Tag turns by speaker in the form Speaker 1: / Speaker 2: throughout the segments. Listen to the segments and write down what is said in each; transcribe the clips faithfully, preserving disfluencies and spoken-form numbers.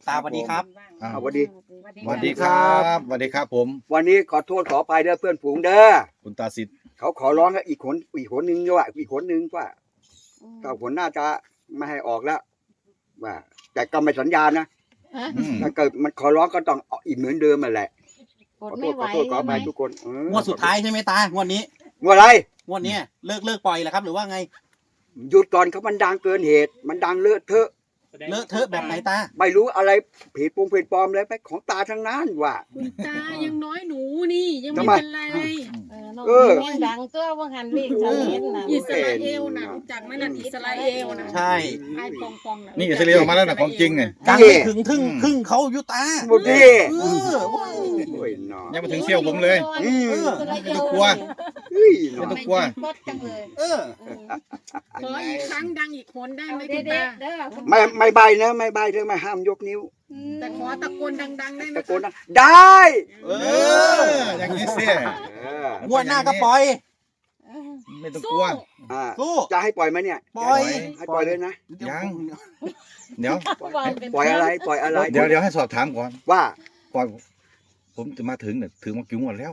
Speaker 1: ตาสวัสดีครับ
Speaker 2: อ่าสวัสดี
Speaker 3: สวัสดีครับสวัสดีครับผม
Speaker 2: วันนี้ขอโทษขออภัยเด้อเพื่อนฝูงเด้อ
Speaker 3: คุณตาสิทธิ์
Speaker 2: เขาขอร้องให้อีกคนอีกคนนึงด้วยอีกคนนึงว่าก็ผลน่าจะไม่ให้ออกแล้วว่าแต่ก็ไม่สัญญานะ
Speaker 3: อืม
Speaker 2: ถ้าเกิดมันขอร้องก็ต้องเอาอีกเหมือนเดิมมาแหละข
Speaker 4: ก
Speaker 2: อ
Speaker 4: ด
Speaker 2: โท
Speaker 4: ไม่
Speaker 2: ษ
Speaker 4: ไห
Speaker 2: ข
Speaker 4: ว
Speaker 2: อโทษขออภัยทุกคนเออง
Speaker 1: วดสุดท้ายใช่ไหมตางวดนี้
Speaker 2: งวดอะไร
Speaker 1: งวดเนี้ยเลิกเลิกปล่อยแล้วครับหรือว่าไง
Speaker 2: หยุดก่อนเขามันดังเกินเหตุ มันดังเลอะเทอะ
Speaker 1: เลอะเทอะแบบไหนตา
Speaker 2: ไม่รู้อะไรผิดปงผิดปลอมอะไรไปของตาทั้งนั้นว่า
Speaker 5: คุณตายังน้อยหนูนี่ยัง
Speaker 2: ทำ
Speaker 5: ไม่
Speaker 2: ไม
Speaker 5: เป็นไร
Speaker 4: เออน้อง
Speaker 2: เออ
Speaker 4: แม่งดังตัวว่าหันเลขจะเห็นนะ
Speaker 5: อิสราเอลนะรู้จักไหมนั่นอิสราเอลนะ
Speaker 1: ใช่
Speaker 5: ไอ้ปองปองนะ
Speaker 3: นี่อิสราเอลออกมาแล้วนะของจริงเนี่ย
Speaker 1: ดังไม่ถึงครึ่งครึ่งเขาอยู่ตา
Speaker 2: หมดที่
Speaker 1: เออว้าว
Speaker 2: โอ้ยหนอ
Speaker 3: ยังไม่ถึงเชี่ยวผมเลย
Speaker 2: อืม
Speaker 3: ไม่ต้องกลัว
Speaker 2: เฮ้ยหน
Speaker 3: ไม่
Speaker 2: อ
Speaker 3: ต้องกลัว
Speaker 4: บดจังเลย
Speaker 1: เออ
Speaker 5: ขออีกครั้งดังอีกคนได้ไหม
Speaker 4: เด็
Speaker 5: คุ
Speaker 4: ด
Speaker 5: ณตา
Speaker 4: เด้อ
Speaker 2: ไม่ไม่ใบนะไม่ใบเธอไม่ห้ามยกนิ้ว
Speaker 5: แต่ขอตะโกนดังๆได้ไหม
Speaker 2: ตะโกนนะได้
Speaker 1: เอ
Speaker 3: เอ
Speaker 1: อ
Speaker 3: อ อย่างนี้เสีย
Speaker 2: เออง
Speaker 1: วดหน้าก็ปล่อย
Speaker 3: ไม่ต้องก
Speaker 5: สู้
Speaker 3: ลัว
Speaker 2: อ่า
Speaker 1: สู้
Speaker 2: จะให้ปล่อยไหมเนี่ย
Speaker 1: ปล่อย
Speaker 2: ให้ปล่อยเลยนะ
Speaker 3: ยัง เดี๋ยว
Speaker 2: ปล่อยอะไรปล่อยอะไร
Speaker 3: เดี๋ยวเดี๋ยวให้สอบถามก่อน
Speaker 2: ว่า
Speaker 3: ก่อนผมจะมาถึงเนี่ยถึงมากี่งวดแล้ว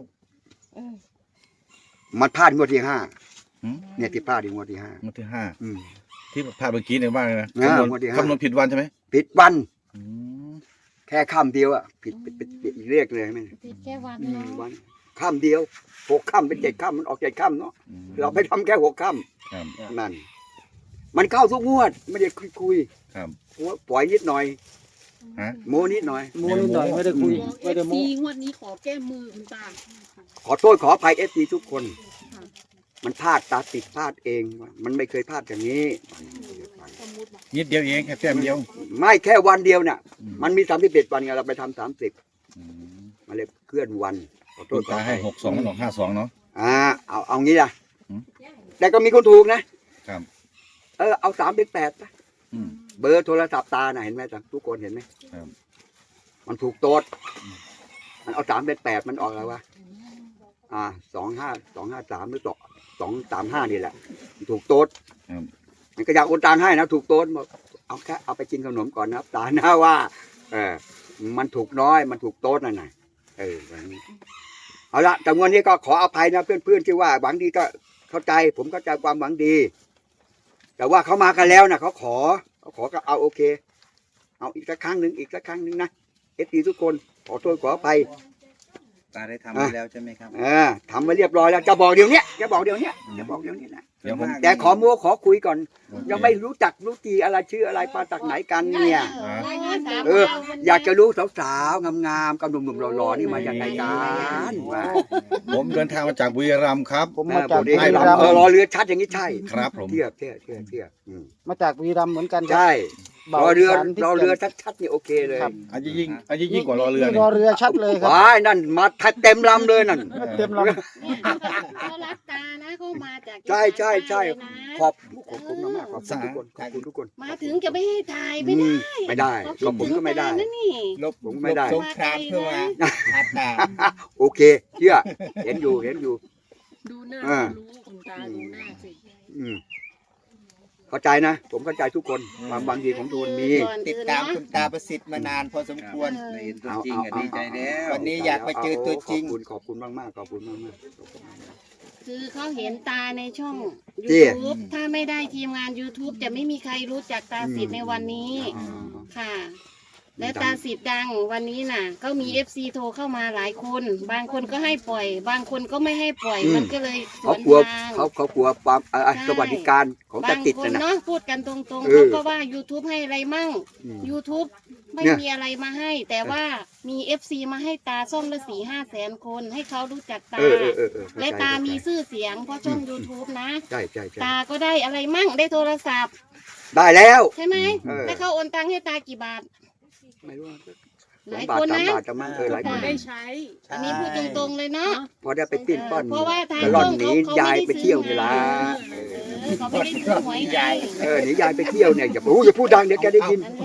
Speaker 2: มันพลาดงวดที่ห้า
Speaker 3: หืม
Speaker 2: เนี่ยที่พลาดที่งวดที่ห้าง
Speaker 3: วดที่ห้า
Speaker 2: อืม
Speaker 3: ที่พลาดเมื่อกี้เนี่ยว่าไงนะ
Speaker 2: อ่า
Speaker 3: คำนวณ
Speaker 2: งวดที่ห้า
Speaker 3: คำนวณผิดวันใช่ไหม
Speaker 2: ผิดวัน
Speaker 3: อืม
Speaker 2: แค่ค่ำเดียวอ่ะผิดผิดผิดผิดอีกเลขเลยไหม
Speaker 4: ติดแค่วัน
Speaker 2: อืม
Speaker 4: เนาะ
Speaker 2: วันค่ำเดียวหกค่ำเป็นเจ็ดค่ำมันออกเจ็ดค่ำเนาะ
Speaker 3: อืม
Speaker 2: เราไปทำแค่หกค่
Speaker 3: ครับ
Speaker 2: ำนั่นมันเข้าทุกงวดไม่ได้คุยคุย
Speaker 3: ครับ
Speaker 2: ปล่อยนิดหน่อย
Speaker 3: ฮะ
Speaker 2: โมนิดหน่อย
Speaker 6: มูนิดหน่อยไม่ได้คุย
Speaker 5: บอกเอ
Speaker 6: ไม่ได้
Speaker 5: ฟ
Speaker 6: โมู
Speaker 5: ซีงวดนี้ขอแก้มือคุณตา
Speaker 2: ขอโทษขออภัยเอฟซีทุกคน มันพลาดตาติดพลาดเองว่ะมันไม่เคยพลาดอย่างนี้
Speaker 3: นิดเดียวเองแค่แต้มเดียว
Speaker 2: ไม่แค่วันเดียวเนี่ย
Speaker 3: อืม
Speaker 2: มันมีสามสิบเอ็ดวันไงเราไปทำสามสิบ
Speaker 3: อืม
Speaker 2: มาเลยเคลื่อนวันขอโท
Speaker 3: คุ
Speaker 2: ษ
Speaker 3: ณ
Speaker 2: ขอ
Speaker 3: ตา
Speaker 2: อ
Speaker 3: ให้
Speaker 2: ภัย
Speaker 3: หกสองมันออกห้าสองเนาะ
Speaker 2: อ่าเอาเอางี้ล่ะ
Speaker 3: อืม
Speaker 2: แต่ก็มีคนถูกนะครับ เออเอาสามเป็นแปดนะ
Speaker 3: อืม
Speaker 2: เบอร์โทรศัพท์ตาน่ะเห็นไหมจ๊ะทุกคนเห็นไหม
Speaker 3: ครับ
Speaker 2: มันถูกโต๊ดมันเอาสามเป็นแปดมันออกอะไรวะอ่าสองห้าสองห้าสามหรือสองสองสามห้านี่แหละมันถูกโต๊ด
Speaker 3: ครับ
Speaker 2: มันก็อยากโอนตังค์ให้นะถูกโต๊ดบอกเอาแค่เอาไปกินขนมก่อนนะครับตาหน้าว่าเออมันถูกน้อยมันถูกโต๊ดนั่นน่ะเออแบบนี้เอาละแต่วันนี้ก็ขออภัยนะเพื่อนๆที่ว่าหวังดีก็เข้าใจ ผมเข้าใจความหวังดี แต่ว่าเขามากันแล้วนะเขาขอเขาขอก็เอาโอเค เอาอีกสักครั้งหนึ่งอีกสักครั้งหนึ่งนะเอฟซีทุกคนขอโทษขออภัย
Speaker 6: ตาได้ทำไปแล้วใช่ไหมครับ
Speaker 2: เออทำมาเรียบร้อยแล้วจะบอกเดี๋ยวนี้จะบอกเดี๋ยวนี้จะบอกเดี๋ยวนี้นะ
Speaker 3: เดี๋ยวผม
Speaker 2: แต่ขอมัวขอคุยก่อน ยังไม่รู้จักรู้จีอะไรชื่ออะไรมาจากไหนกันเนี่ย เออ อยากจะรู้สาวๆงามๆกับหนุ่มๆหล่อๆนี่มาจากไหนกันว่า
Speaker 3: ผมเดินทางมาจากบุรีรัมย์ครับ
Speaker 6: ผมมาจาก
Speaker 2: เออ
Speaker 6: บุรีรัม
Speaker 2: เออ
Speaker 6: ย์
Speaker 2: รอเรือชัดอย่างนี้ใช่
Speaker 3: ครับผม
Speaker 2: เทียบเทียบเทียบเทียบอืม
Speaker 6: มาจากบุรีรัมย์เหมือนกันครั
Speaker 2: ใช่
Speaker 6: บ่าว
Speaker 2: รอเรือ
Speaker 6: สานที่
Speaker 2: รอเรือ
Speaker 6: แก่น
Speaker 2: ชัดๆนี่โอเคเลย
Speaker 6: ครับ
Speaker 3: อันนี้ยิ่งอันนี้ยิ่งกว่ารอเรือ
Speaker 6: นี่
Speaker 3: เนี่
Speaker 6: ร
Speaker 3: ย
Speaker 6: อเรือชัดเลยครับ
Speaker 2: ว้ายนั่นมาเต็มลำเลยนั่น
Speaker 6: เต็มลำ
Speaker 4: เขารักตานะเขามาจาก
Speaker 2: ใช่ใช่ใช่
Speaker 4: เลยนะ
Speaker 2: ขอบขอบคุณมากๆขอบคุณทุกคนขอบคุณทุกคน
Speaker 4: มาถึงจะไม่ให้ถ่ายไม่ได้
Speaker 2: อืมไม่ได้ก็ผมก็ไม่ได้
Speaker 4: เขาคิถึงตานะนี่
Speaker 6: ลบ
Speaker 2: ผมไม่ได้
Speaker 6: สงครามเพื่อมาอัดดา
Speaker 2: โอเคเชื่อเห็นอยู่เห็นอยู่
Speaker 5: ดูหน้า
Speaker 2: อ่า
Speaker 5: ก็รู้คุณตาดูหน้าสิ
Speaker 2: อืมเข้าใจนะ ผมเข้าใจทุกคนความบางดีของทุกคนมี
Speaker 4: ก่อน
Speaker 6: ติด
Speaker 4: อื่น
Speaker 6: ตาม
Speaker 4: นะ
Speaker 6: คุณตาประสิทธิ์มานานพอสมควร
Speaker 4: เออ
Speaker 6: เห็นตัว
Speaker 2: เอา
Speaker 6: จริง
Speaker 2: เอา
Speaker 6: อ่ะ
Speaker 2: เอา
Speaker 6: ดีใจแล้ว
Speaker 2: เอา
Speaker 6: วันนี้อยากมาเจอตัวจริง
Speaker 2: ขอบคุณขอบคุณมากมากๆขอบคุณมากมากๆขอบคุณมาก
Speaker 4: คือเขาเห็นตาในช่อง
Speaker 2: จี้
Speaker 4: YouTube ถ้าไม่ได้ทีมงาน YouTube จะไม่มีใครรู้จักตาสิทธิ์ในวันนี้
Speaker 2: ๆอ๋อ
Speaker 4: ค่ะ และตาสิทธิ์ดังวันนี้น่ะ ก็มี เอฟ ซี โทรเข้ามาหลายคน บางคนก็ให้ปล่อย บางคนก็ไม่ให้ปล่อย มันก็เลยส
Speaker 2: เขา
Speaker 4: วน
Speaker 2: กลัว
Speaker 4: ทาง
Speaker 2: เขาเขากลัวความเอ่อ
Speaker 4: ใช่
Speaker 2: สวัสดิการของตา
Speaker 4: บาง
Speaker 2: ติด
Speaker 4: คน
Speaker 2: นะนะ
Speaker 4: เนาะพูดกันตรงๆ
Speaker 2: เอ
Speaker 4: เขา
Speaker 2: อ
Speaker 4: ก็ว่า YouTube ให้อะไรมั่ง
Speaker 2: อืม
Speaker 4: YouTube ไม่
Speaker 2: เนี่ย
Speaker 4: มีอะไรมาให้ แต่ว่ามี เอฟ ซี มาให้ตาซ่อมละสี่ห้าแสนคน ให้เขารู้จักตา
Speaker 2: เออเออเออเออเข้าใจ
Speaker 4: และตามี
Speaker 2: เข้ใจ
Speaker 4: ชื่อเสียงเพราะช่อง YouTube นะ
Speaker 2: ใช่ใช่ใช่
Speaker 4: ตาก็ได้อะไรมั่งได้โทรศัพท์
Speaker 2: ได้แล้ว
Speaker 4: ใช่ไหม
Speaker 2: เออ
Speaker 4: แล้วเขาโอนตังค์ให้ตากี่บาท
Speaker 2: ไม่รู้ว่า
Speaker 4: ห
Speaker 2: สอ
Speaker 4: ลาง ย
Speaker 2: บาท
Speaker 4: คน
Speaker 2: สาม
Speaker 4: นะ
Speaker 2: บาทจะมั่งเออหลาย
Speaker 5: พ
Speaker 2: ค
Speaker 5: อน ได้ใช้
Speaker 4: อันนี้พูดตรงๆเลยเนาะ
Speaker 2: พอได้ไปปิ้นป้อน
Speaker 4: เพราะว่าทาง
Speaker 2: กระล่อน
Speaker 4: ช่อง
Speaker 2: หนี
Speaker 4: เขา
Speaker 2: ยาย
Speaker 4: เขาไม่ได้
Speaker 2: ไปเที่ยว
Speaker 4: ซื้
Speaker 2: นี่
Speaker 4: อ
Speaker 2: ละ
Speaker 4: มา เออเขาไม่ได้ซื้อหวยไง
Speaker 2: เออหนียายไปเที่ยวเนี่ยอย่าโอ้อย่าพูดดังเดี๋ยวแกได้ยิน
Speaker 4: นั่นแหละ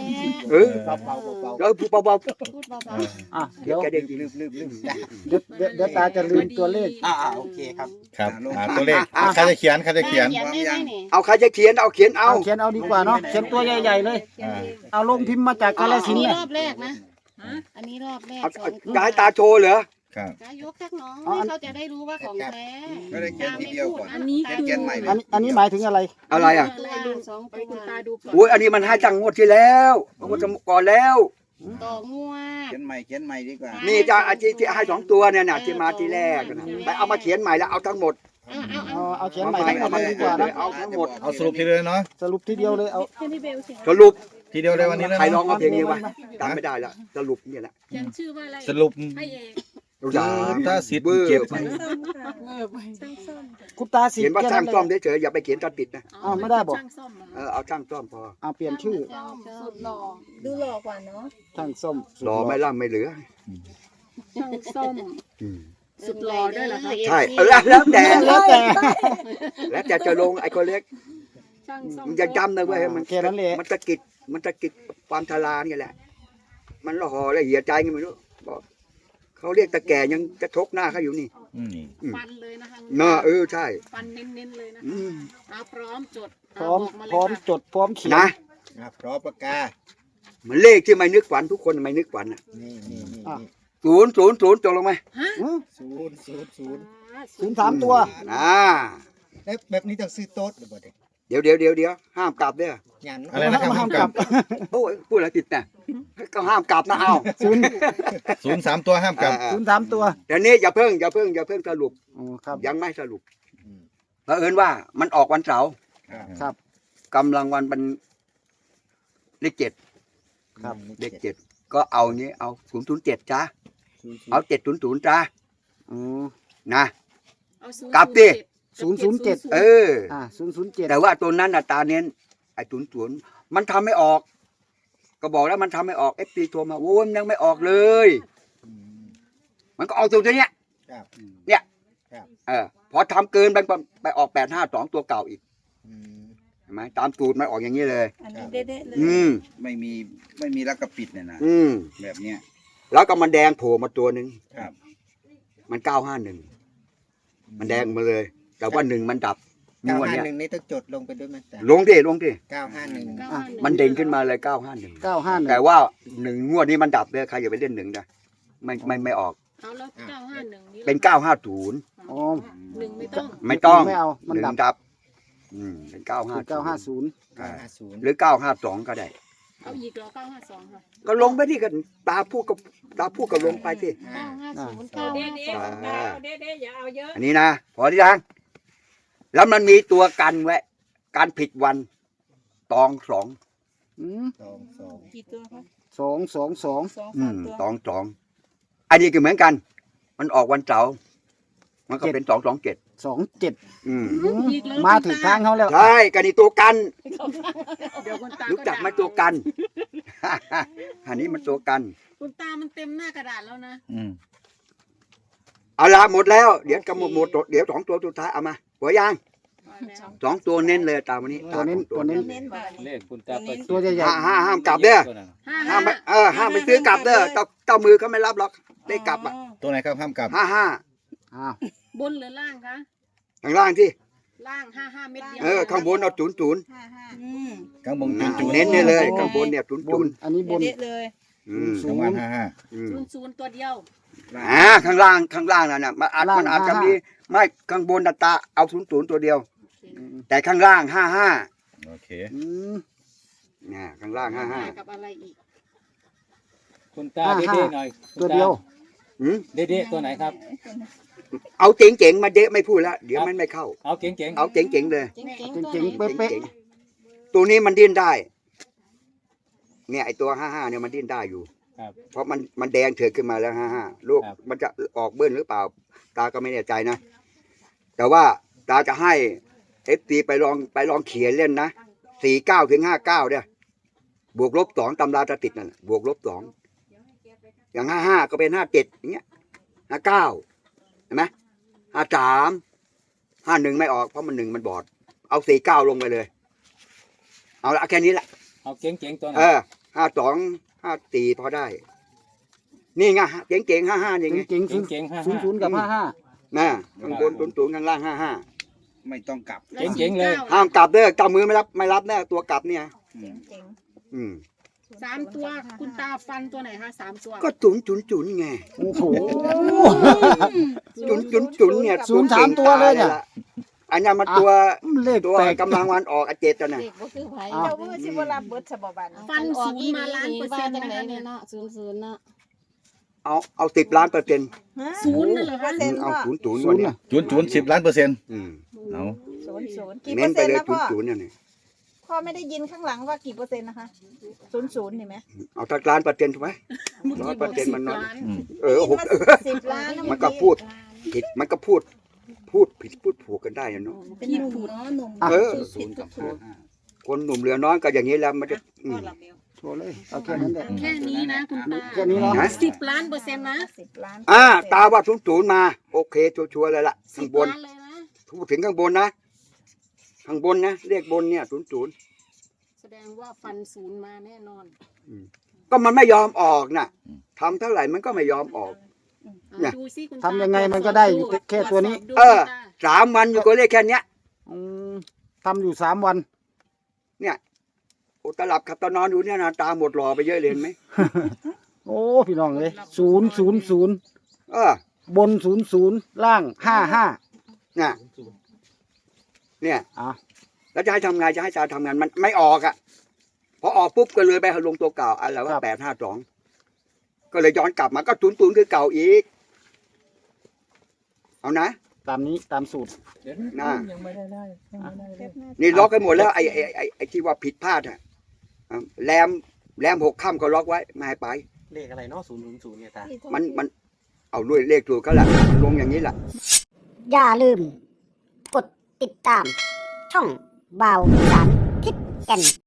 Speaker 2: เออ
Speaker 6: เบาเบาเบา
Speaker 2: แล้วพูดเบา
Speaker 4: พูดเบา
Speaker 7: อ่ะ
Speaker 2: ๆ
Speaker 7: เดี๋ยว
Speaker 2: แกเด็กจริง
Speaker 6: ลืมลืมลืม
Speaker 7: เดี๋ยวเดี๋ยวเดี๋ยวตาจะลืมตัวเลข
Speaker 6: อ่าอ่าโอเคครับ
Speaker 3: ครับอ่าตัวเลขอ่ะใครจะเขียนใคร
Speaker 4: ๆ
Speaker 3: จะเขียน
Speaker 4: เขียนได้ไหมนี่
Speaker 2: เอาใครจะเขียนเอาเขียนเอา
Speaker 7: เอาเขียนเอาดีกว่าเนาะเขียนตัวใหญ่ๆเลย
Speaker 3: อ่า
Speaker 7: เอาลงพิมพ์มาจากกาฬ
Speaker 4: อั
Speaker 7: สิ
Speaker 4: น
Speaker 7: นธุ์
Speaker 4: นี้
Speaker 7: เนี่ย
Speaker 4: รอบแรกนะ
Speaker 5: ฮะ
Speaker 4: อันนี้รอบแรก
Speaker 2: เอา
Speaker 4: สอ
Speaker 2: เอา
Speaker 4: ง
Speaker 2: จะให้ตาโชว์เหรอ
Speaker 3: ครับ
Speaker 4: จะยกสักน้องให้เขาจะได้รู้ว่าของแท้
Speaker 8: ไม่ได้เขียนทีเดียวก่อน
Speaker 5: อันนี้คือ
Speaker 8: เขียนใหม่เลย
Speaker 7: อันอันนี้หมายถึงอะไร
Speaker 2: อะไรอ่ะ
Speaker 4: ตัวสอง
Speaker 5: ไป
Speaker 4: ตัว
Speaker 5: คุณตาดูก่อน
Speaker 2: โอ้ยอันนี้มันให้จังงวดที่แล้วงวดก่อนแล้ว
Speaker 4: ต่องวด
Speaker 8: เขียนใหม่เขียนใหม่ดีกว่า
Speaker 2: นี่จะอาชีพที่ให้สองตัวเนี่ยนะที่มาทีแรกนะไปเอามาเขียนใหม่แล้วเอาทั้งหมด
Speaker 4: เอาเอา
Speaker 7: เอา
Speaker 4: เอา
Speaker 7: เอาเขียนใหม่ทั้งหมดเลยดีกว่านะ
Speaker 2: เอาทั้งหมด
Speaker 3: เอาสรุปทีเดียวเนาะ
Speaker 7: สรุปทีเดียวเลยเอา
Speaker 5: ให้พี่เบลเขียน
Speaker 2: สรุป
Speaker 3: ทีเดียวเลยวันนี้เลย
Speaker 2: ใครร้อง
Speaker 3: เนาะ
Speaker 2: เอาเพลงนี้วะจำไม่ได้ละสรุปเนี่ยแหละ
Speaker 5: เขียนชื่อว่าอะไร
Speaker 3: สรุป
Speaker 5: ให้เอง
Speaker 2: รู้จัก
Speaker 3: ถ้าสิทธิ์
Speaker 2: เบอร์
Speaker 3: เก็บ
Speaker 2: ไป
Speaker 5: เออไปช่างซ่อม
Speaker 7: คุณตาสิ
Speaker 2: เขียนว่า
Speaker 7: แค่
Speaker 2: ช่าง
Speaker 7: นั้น
Speaker 2: ซ่อม
Speaker 7: เลย
Speaker 2: เฉยๆอย่าไปเขียนตัดติดนะ
Speaker 7: อ้าวไม่ได้บอก
Speaker 5: ช่างซ่อมเหรอ
Speaker 2: เออเอาช่างซ่อมพอ
Speaker 7: เอาเปลี่ยนชื่อ
Speaker 5: สุดหล่อ
Speaker 9: ดูหล่อกว่าเนาะ
Speaker 7: ช่างส้มสุด
Speaker 2: รอไม่ล่ำไม่เหลือ
Speaker 5: ช่างซ่อม
Speaker 2: อืม
Speaker 5: สุดหล่อด้วยเหรอคะ
Speaker 2: ใช่เออแล้วแล้วแต่
Speaker 7: แล้วแต่
Speaker 2: แล้วแต่จะลงไอ้คนเล็ก
Speaker 5: ช่างซ่อม
Speaker 2: มันจะจำนะเว้ยมัน
Speaker 7: แค่นั้นแหละ
Speaker 2: มันตะกิดมันตะกิดความทลาเนี่ยแหละ มันละห่อละเหี่ยใจไงไม่รู้บอกเขาเรียกตะแก่ยังจะทกหน้าเขาอยู่นี่
Speaker 3: อืม
Speaker 5: ฟันเลยนะคะ
Speaker 2: เนาะเออใช่
Speaker 5: ฟันเน้นๆเลยนะ
Speaker 2: อืม
Speaker 5: เอาพร้อมจด
Speaker 7: พร้อม
Speaker 5: เาบกาเลย
Speaker 7: พร้อม
Speaker 5: ค่ะ
Speaker 7: จดพร้อมเขียน
Speaker 2: นะ
Speaker 6: อ่ะพร้อมปากกา
Speaker 2: มันเลขที่ไม่นึกฝันทุกคนไม่นึกฝันอ่ะ
Speaker 6: นี่นี่นี่
Speaker 7: อ่ะ
Speaker 6: นี่
Speaker 2: ศูนย์ศูนย์ศูนย์จบลงไหม
Speaker 7: อืม
Speaker 6: ศูนย์ศูนย์ศูนย์
Speaker 7: ศูนย์สามตัว
Speaker 2: อ่า
Speaker 6: แล้วแบบนี้ต้องซื้อโต๊ะหรือเปล่าเด็ก
Speaker 2: เดี๋ยวเดี๋ยวเดี๋ยวเดี๋ยวห้ามกลับเด้อ
Speaker 6: ยัน
Speaker 3: อะไรนะครับ
Speaker 7: ห้า
Speaker 3: ห้าม ม
Speaker 7: ก
Speaker 3: ก
Speaker 7: ลั
Speaker 3: ลั
Speaker 7: บ
Speaker 3: บ
Speaker 2: โอ้ยพูดอะไรผิดนะก็ห้ามกลับนะเอา
Speaker 7: ศูนย์
Speaker 3: ศูนย์สามตัวห้ามกลับ
Speaker 2: อ่า
Speaker 7: ศูนย์สามตัว
Speaker 2: เดี๋ยวนี้อย่าเพิ่งอย่าเพิ่งอย่าเพิ่งสรุป
Speaker 7: อ๋อครับ
Speaker 2: ยังไม่สรุป
Speaker 6: อืม
Speaker 2: เผอิญว่ามันออกวันเสาร์
Speaker 6: ครับ
Speaker 7: ครับ
Speaker 2: กำลังวันเป็นเลขเจ็ด
Speaker 7: ครับ
Speaker 2: เลขเจ็ดก็เอานี้เอาศูนย์ศูนย์เจ็ดจ้า
Speaker 6: ศูนย์ศูนย์
Speaker 2: เอาเจ็ดศูนย์ศูนย์จ้า
Speaker 7: อ๋อ
Speaker 2: นะ
Speaker 5: เอาศูนย์
Speaker 2: กลับดิ
Speaker 7: ศูนย์ศูนย์เจ็ด
Speaker 2: เออ
Speaker 7: อ่าศูนย์ศูนย์เจ็ด
Speaker 2: แต่ว่าตัวนั้นน่ะตาเน้นไอ้ศูนย์ศูนย์มันทำไม่ออก ก็บอกแล้วมันทำไม่ออกเอฟซีโทรมาโว้ยมันยังไม่ออกเลย
Speaker 6: อืม
Speaker 2: มันก็ออกตัวเนี้ย
Speaker 6: ครับ
Speaker 2: เออพอทำเกินไปไปออกแปดห้าสองตัวเก่าอีก
Speaker 6: อืม
Speaker 2: เห็นไหมตามสูตรมันออกอย่างนี้เลย
Speaker 9: อันนี้เด็ดๆเลย
Speaker 2: อืม
Speaker 8: ไม่มีไม่มีลักกระปิดเนี่ยนะ
Speaker 2: อืม
Speaker 8: แบบเนี้ย
Speaker 2: แล้วก็มันแดงโผล่มาตัวหนึ่ง
Speaker 8: ครับ
Speaker 2: มันเก้าห้าหนึ่งมันแดงมาเลย แต่ว่าหนึ่งมันดับ
Speaker 6: เก้าง
Speaker 2: วด
Speaker 6: ห้า
Speaker 2: เนี้ย
Speaker 6: หนึ่งนี่ต้องจดลงไปด้วยไหมแต่
Speaker 2: ลงดิลงดิ
Speaker 6: เก้าห้าหนึ่ง
Speaker 5: เก้าห้าหง
Speaker 2: มันเด่นขึ้นมาเลยเก้าห้าหนึ่ง
Speaker 7: เก้าห้าหนึ่ง
Speaker 2: แต่ว่าหนึ่งงวดนี้มันดับเลยใครอย่าไปเล่นหนึ่งนะไม่ไม่ไม่ออก
Speaker 5: เอาแล้วเก้าห้าหนึ่งนี่
Speaker 2: เป็นเก้าห้าศูนย์
Speaker 7: อ๋อ
Speaker 5: หนึ่งไม่ต้อง
Speaker 2: ไม่ต้อง
Speaker 7: ไม่เอามัน
Speaker 2: หนึ่
Speaker 7: ดั
Speaker 2: ง
Speaker 7: บ
Speaker 2: ดับ อืมเป็นเก้าห้า
Speaker 7: เก้าห้าศูนย์
Speaker 6: เก้าห้าศูนย์
Speaker 2: หรือเก้าห้าสองก็ได้
Speaker 5: เอาอีกเหรอเก้าห้าสองค่ะ
Speaker 2: ก็ลงไปที่กันตาพูดกับตาพูดกับลงไปที่
Speaker 4: เก้าห้าศูนย์เก้าห้าสอง
Speaker 2: อ่า
Speaker 5: เด็ดๆอย่าเอาเยอะ
Speaker 2: อันนี้นะพอที่ยังแล้วมันมีตัวกันไว้การผิดวันตองสอง
Speaker 7: อืม
Speaker 6: สองสอง
Speaker 9: กี่ตัวคะ
Speaker 7: สองสองสอง
Speaker 9: สอง
Speaker 2: อื
Speaker 9: สาม
Speaker 2: ม
Speaker 9: ตัว
Speaker 2: ตองสองอันนี้ก็เหมือนกัน มันออกวันเสาร์มันก็เป็นสองสองเจ็ด
Speaker 7: สองเจ็ด
Speaker 2: อืม
Speaker 7: อืมมาถึงทางเขาแล้ว
Speaker 2: ใช่กันนี่ตัวกัน
Speaker 5: เดี๋ยวคุณตา
Speaker 2: รู้จักไหมตัวกัน อันนี้มันตัวกัน
Speaker 5: คุณตามันเต็มหน้ากระดาษแล้วนะ
Speaker 3: อืม
Speaker 2: เอาละหมดแล้ว เดี๋ยวกำหมดหมดเดี๋ยวสองตัวสุดท้ายเอามาหัวยาง
Speaker 5: เอาแล้ว
Speaker 2: สองตัวเน้นเลยตามวันนี้
Speaker 7: ตัวเน้น
Speaker 2: ตาม
Speaker 7: ตัวเน้น
Speaker 9: เน้นบ่อย
Speaker 10: เลขคุณตาประสิทธิ์
Speaker 7: ตัวใหญ่
Speaker 2: ห้าห้าห้ามกลับเด้อ
Speaker 5: ห้า
Speaker 2: ห้า
Speaker 5: ห้าม
Speaker 2: ไปเออห้ามไปซื้อกลับเด้อเจ้าเจ้ามือเขาไม่รับหรอกได้กลับอ่ะ
Speaker 3: ตัวไหนครับห้ามกลับ
Speaker 2: ห้าห้า
Speaker 7: ๆอ้าว
Speaker 5: บนหรือล่างคะ
Speaker 2: ข้างล่างที่
Speaker 5: ล่างห้าห้าเม็ดเดียว
Speaker 2: เออข้างบนเอาศูนย์ศูนย์
Speaker 9: ห้าห้าอืม
Speaker 3: ข้างบนจุนจุน
Speaker 2: เน้นเนี่ยเลยข้างบนเนี่ยศูนย์
Speaker 7: บ
Speaker 2: ศู
Speaker 7: น
Speaker 2: นย์
Speaker 7: อันนี้บน
Speaker 9: เด็ดๆเลย
Speaker 2: อืม
Speaker 3: ข้างล่างห้าห้า
Speaker 2: อืม
Speaker 5: ศูนย์ศูนย์ตัวเดียว
Speaker 2: อ่าข้างล่างข้างล่างนั่นน่ะมันอาจมันอาจจะมีไม่ข้างบนน่ะตาเอาศูนย์ศูนย์ตัวเดียว
Speaker 7: อืม
Speaker 2: แต่ข้างล่างห้าห้า
Speaker 3: โอเค
Speaker 7: อืม
Speaker 2: เนี่ยข้างล่างห้าห้า
Speaker 5: กับอะไรอีก
Speaker 10: คุณตา
Speaker 7: ห้า
Speaker 10: เด็
Speaker 7: ห้า
Speaker 10: ดๆหน่อยคุณ
Speaker 7: ตัว
Speaker 10: ตา
Speaker 7: เดียว
Speaker 2: อืม
Speaker 10: เด็ดๆตัวไหนครับ
Speaker 2: เอาเจ๋งๆมาเดะไม่พูดแล้วเดี๋ยวมันไม่เข้า
Speaker 10: เอาเก๋ง
Speaker 2: เอาเจ๋งๆเลย
Speaker 4: เจ๋งๆ
Speaker 7: จ
Speaker 4: ตัว
Speaker 7: ริง
Speaker 4: ไหน
Speaker 7: ๆเป๊ะ
Speaker 2: เจ๋งๆตัวนี้มันดิ้นได้ เนี่ยไอตัวห้าห้าเนี่ยมันดิ้นได้อยู่
Speaker 10: ๆครับ
Speaker 2: เพราะมันมันแดงเถือกขึ้นมาแล้วห้าห้าลูก
Speaker 10: ครับ
Speaker 2: มันจะออกเบิ้ลหรือเปล่า ตาก็ไม่แน่ใจนะ แต่ว่าตาจะให้เอฟซีไปลองไปลองเขียนเล่นนะสี่เก้าถึงห้าเก้าเนี่ยบวกลบสองตำราจะติดนั่นน่ะบวกลบสองอย่างห้าห้าก็เป็นห้าเจ็ดอย่างเงี้ยห้าเก้าเห็นไหมห้าสามห้าหนึ่งไม่ออกเพราะมันหนึ่งมันบอด เอาสี่เก้าลงไปเลย เอาละแค่นี้แหละ
Speaker 10: เอาเก๋งๆตัวไหน
Speaker 2: เออห้าสองห้าสี่พอได้ นี่ไงเจ๋งเจ๋งห้าห้านี่ไง
Speaker 7: เก่งๆศูนย์
Speaker 10: เก่งๆห้า
Speaker 7: ศูนย์ศูนย์กับห้าห้า
Speaker 2: นะข้างบนศูนย์ศูนย์ข้างล่างห้าห้า
Speaker 8: ไม่ต้องกลับ
Speaker 5: แล้ว
Speaker 10: เจ๋งๆเลย
Speaker 5: สี่ก้
Speaker 2: ห้ามกลับเด้อเจ้ามือไม่รับไม่รับแน่ตัวกลับเนี่ย
Speaker 8: อืม
Speaker 9: เจ๋ง
Speaker 2: อืม
Speaker 5: สามตัวคุณตาฟันตัวไหนคะสามตัว
Speaker 2: ก็จุนจุนจุนไง
Speaker 7: โอ้โห
Speaker 2: จุนจุนจุนเนี่ย
Speaker 7: ศูนย์สามตัวเลยเนี่ย
Speaker 2: อันนี้มันตัว
Speaker 7: เลข
Speaker 2: ตัว
Speaker 7: แปลก
Speaker 2: กำลังวันออกอาเจตนะ
Speaker 4: เด็กบ่คือไผ
Speaker 7: อ้าว
Speaker 9: เจ้ามือสิบ่รับเบิดฉบับบัน
Speaker 5: ฟันศูนย์มาล้านเปอร์เซ็นต์
Speaker 4: จัง
Speaker 5: นะ
Speaker 4: ไหน
Speaker 5: คะ
Speaker 4: เนี่
Speaker 5: เนี่ย ย
Speaker 4: เนาะศูนย์ศูนย์เนาะ
Speaker 2: เอาเอาสิบล้านเปอร์เซ็นต์
Speaker 5: ศูนย์นั่นเหรอ
Speaker 9: เปอ
Speaker 5: คะ
Speaker 9: ร์เซ็นต์
Speaker 2: เอา
Speaker 9: พ่อ
Speaker 2: ศูนย์ศูนย์
Speaker 7: ศู
Speaker 2: วัน
Speaker 7: นย์
Speaker 2: เนี้
Speaker 7: น่ะ
Speaker 3: จุนจุนสิบล้านเปอร์เซ็นต์
Speaker 2: อืม
Speaker 3: เอา
Speaker 9: ศูนย์ศูนย์กี่เป
Speaker 2: เน้
Speaker 9: อน ร์
Speaker 2: ไป
Speaker 9: เซ็นต์
Speaker 2: เลย
Speaker 9: นะ
Speaker 2: ศู
Speaker 9: พ่
Speaker 2: น
Speaker 9: อ
Speaker 2: ย์ศูนย์เนี่ยนี่
Speaker 9: พ่อไม่ได้ยินข้างหลังว่ากี่เปอร์เซ็นต์นะคะศูนย์ศูนย์เห็นไหม
Speaker 2: เอาสักล้านเปอร์เซ็นต์ถูกไหม
Speaker 5: เมื่อ
Speaker 2: ร้อย
Speaker 5: กี้
Speaker 2: เป
Speaker 5: บ
Speaker 2: อ
Speaker 5: อก
Speaker 2: ร์เซ็นต์
Speaker 5: สิ
Speaker 2: มัน
Speaker 5: บ
Speaker 2: น้อย
Speaker 5: ล้าน
Speaker 3: อืม
Speaker 2: เออหก
Speaker 9: สิบล้าน
Speaker 2: มันก็พูดผิดมันก็พูด พูดผิดพูดถูกกันได้อะเนาะ
Speaker 9: เป็นหนุ่มเนาะหนุ่ม
Speaker 2: เออ
Speaker 8: ศูนย์กับห้าห้า
Speaker 2: คนหนุ่มเหลือน้อยก็อย่างนี้แล้วมันจะอืม
Speaker 7: โชว์เลยเอาแค่นั้นแหละ
Speaker 5: แค่นี้นะคุณตา
Speaker 7: แค่นี้เนาะ
Speaker 2: นะ
Speaker 5: สิบล้านเปอร์เซ็นต์นะ
Speaker 9: สิบล้าน
Speaker 2: อ่าตาว่าศูนย์ศูนย์มา โอเคชัวร์ๆเลยล่ะ
Speaker 5: สิ
Speaker 2: ข้าง
Speaker 5: บบ
Speaker 2: น
Speaker 5: ล้านเลยนะ
Speaker 2: พูดถึงข้างบนนะข้างบนนะเลขบนเนี่ยศูนย์ศูนย์
Speaker 5: แสดงว่าฟันศูนย์มาแน่นอน
Speaker 2: ก็มันไม่ยอมออกน่ะทำเท่าไหร่มันก็ไม่ยอมออก เนี่ย
Speaker 5: ดูสิคุณตา
Speaker 7: ทำยังไงมันก็ได้อยู่แค่ตัวนี้
Speaker 5: ตรจสบดู
Speaker 2: เออ
Speaker 5: คุณตา
Speaker 2: สามวันอยู่กับเลขแค่เนี้ย
Speaker 7: อืมทำอยู่สามวัน
Speaker 2: โอ้ตาหลับขับตานอนอยู่เนี่ยนะตาหมดหล่อไปเยอะเลยเห็นไหม
Speaker 7: โอ้พี่น้องเลยศูนย์ศูนย์ศูนย์
Speaker 2: เออบ
Speaker 7: นศูนย์ศูนย์ล่างห้าห้า
Speaker 2: เนี่ยเนี่ย
Speaker 7: อ่ะ
Speaker 2: แล้วจะให้ทำไงจะให้ตาทำงานมันไม่ออกอ่ะพอออกปุ๊บก็เลยไปลงตัวเก่าอะไรว่าแปดห้าสองก็เลยย้อนกลับมาก็ศูนย์ศูนย์คือเก่าอีก เอานะ
Speaker 7: ตามนี้ตามสูตร
Speaker 10: เดี๋ยว
Speaker 2: น่า
Speaker 10: ยังไม่ได้ได้ยังไม่ได้เลย
Speaker 2: นี่ล็อกให้หมดแล้วไอ้ไอ้ไอ้ไอ้ที่ว่าผิดพลาดอ่ะอ่ะแรมแรมหกค่ำก็ล็อกไว้ไม่ให้ไป
Speaker 1: เลขอะไรเนาะศูนย์ศูนย์ศูนย์เนี่ยตา
Speaker 2: มันมันเอาด้วยเลขถูกก็แหละมันลงอย่างนี้แหละ
Speaker 11: อย่าลืม กดติดตาม ช่องบ่าวสารทิศแก่น